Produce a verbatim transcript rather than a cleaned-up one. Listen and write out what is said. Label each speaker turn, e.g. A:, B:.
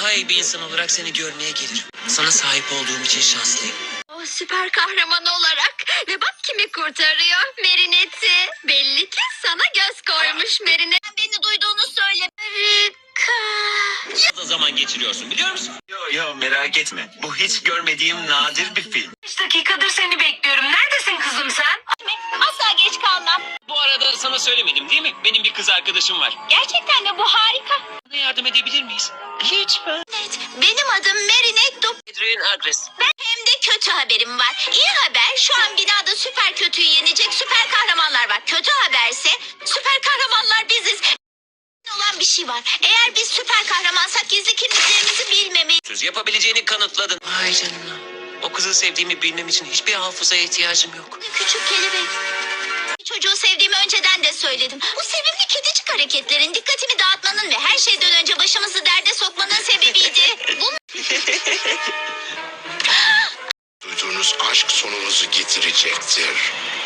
A: daha iyi bir insan olarak seni görmeye gelirim. Sana sahip olduğum için şanslıyım.
B: O süper kahraman olarak. Ve bak kimi kurtarıyor. Marinette'i. Belli ki sana göz koymuş Marinet. Beni duyduğunu söyle. Harika.
A: Fazla zaman geçiriyorsun biliyor musun?
C: Yo yo merak etme. Bu hiç görmediğim nadir bir film.
D: Beş dakikadır seni bekliyorum. Neredesin kızım sen?
B: Asla geç kalmam.
A: Bu arada sana söylemedim değil mi? Benim bir kız arkadaşım var.
B: Gerçekten mi? Bu harika.
A: Bana yardım edebilir miyiz? Lütfen.
B: Evet, benim adım Marinette.
A: Adrian Agres.
B: Ben hem de kötü haberim var. İyi haber, şu an binada süper kötüyü yenecek süper kahramanlar var. Kötü haberse süper kahramanlar biziz. Olan bir şey var. Eğer biz süper kahramansak gizli kimliklerimizi bilmemeliyiz.
A: Söz yapabileceğini kanıtladın. Ay canına. O kızı sevdiğimi bilmem için hiçbir hafızaya ihtiyacım yok.
B: Küçük kelebek. Çocuğu sevdiğimi önceden de söyledim. Bu sevimli kedicik hareketlerin dikkatimi dağıtmanın ve her şeyden önce başımızı derde sokmanın sebebiydi. Bu
E: Duyduğunuz aşk sonunuzu getirecektir.